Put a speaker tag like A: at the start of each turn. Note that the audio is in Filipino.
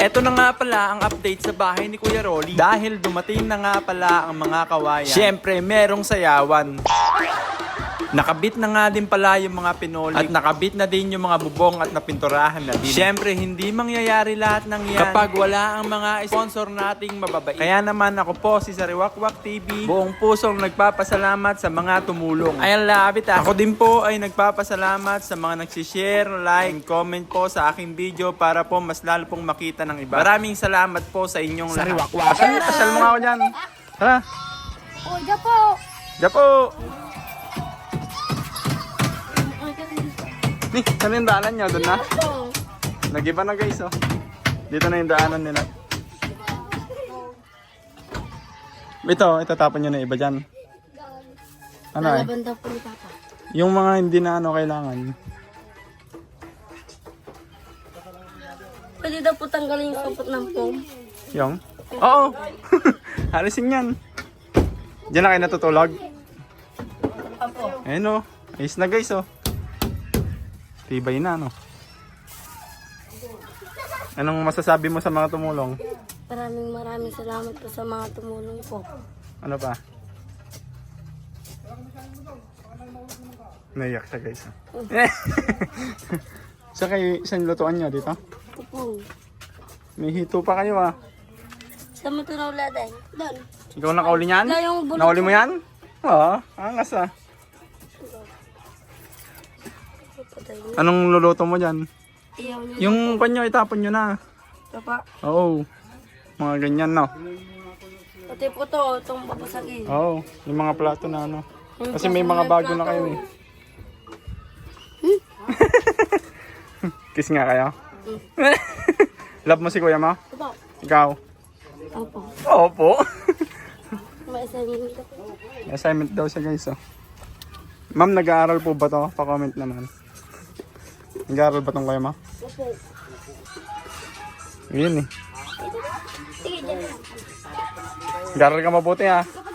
A: Eto na nga pala ang update sa bahay ni Kuya Rolly. Dahil dumating na nga pala ang mga kawayan. Siyempre, merong sayawan. Nakabit na nga din pala yung mga pinoli. At nakabit na din yung mga bubong at napinturahan na din. Siyempre, hindi mangyayari lahat ng yan kapag wala ang mga sponsor nating mababait. Kaya naman ako po si Sariwakwak TV. Buong pusong nagpapasalamat sa mga tumulong. Ayan labit ah. Ako din po ay nagpapasalamat sa mga nagsishare, like, comment po sa aking video para po mas lalo pong makita ng iba. Maraming salamat po sa inyong lahat.
B: Sariwakwak.
A: Pasal mo nga ako dyan. Tara.
C: Oh, Japo!
A: Japo! Ni, saan yung daanan nyo? Doon na? Nag-iba na guys oh. Dito na yung daanan nila. Ito tapon nyo na iba dyan. Ano eh?
C: Lalaban daw po ni Papa.
A: Yung mga hindi na ano kailangan.
C: Pwede daw po tanggalin yung kapot ng foam.
A: Yung? Oo! Halisin yan. Diyan na kayo natutulog.
C: Apo.
A: Ayun oh. Ayos na guys oh. Tibay na no. Anong masasabi mo sa mga tumulong?
C: Maraming salamat po sa mga tumulong po.
A: Ano pa? Naiyak siya guys. Saan lutuan nyo dito?
C: Opo.
A: May hito pa kayo ah.
C: Sa matunaw laday. Doon.
A: Ikaw nakauli niyan?
C: Wala yung bulok.
A: Nakauli mo yan? Oo, angas ah. Anong luluto mo dyan?
C: Iyaw niya.
A: Yung panyo itapon nyo na.
C: Papa.
A: Oo. Mga ganyan no.
C: Pati po to, itong babasagin.
A: Oo. Yung mga plato na ano. Kasi may mga bago na kayo eh. Kiss nga kayo. Love mo si kuya mo?
C: Opo.
A: Ikaw?
C: Opo.
A: Opo.
C: May assignment ko.
A: Assignment daw siya guys oh. Ma'am, nag-aaral po ba to? Pa-comment naman. Nag-aaral ba tong kuya mo?
C: Opo.
A: Yun eh.
C: Sige, dyan.
A: Nag-aaral ka mabuti ha.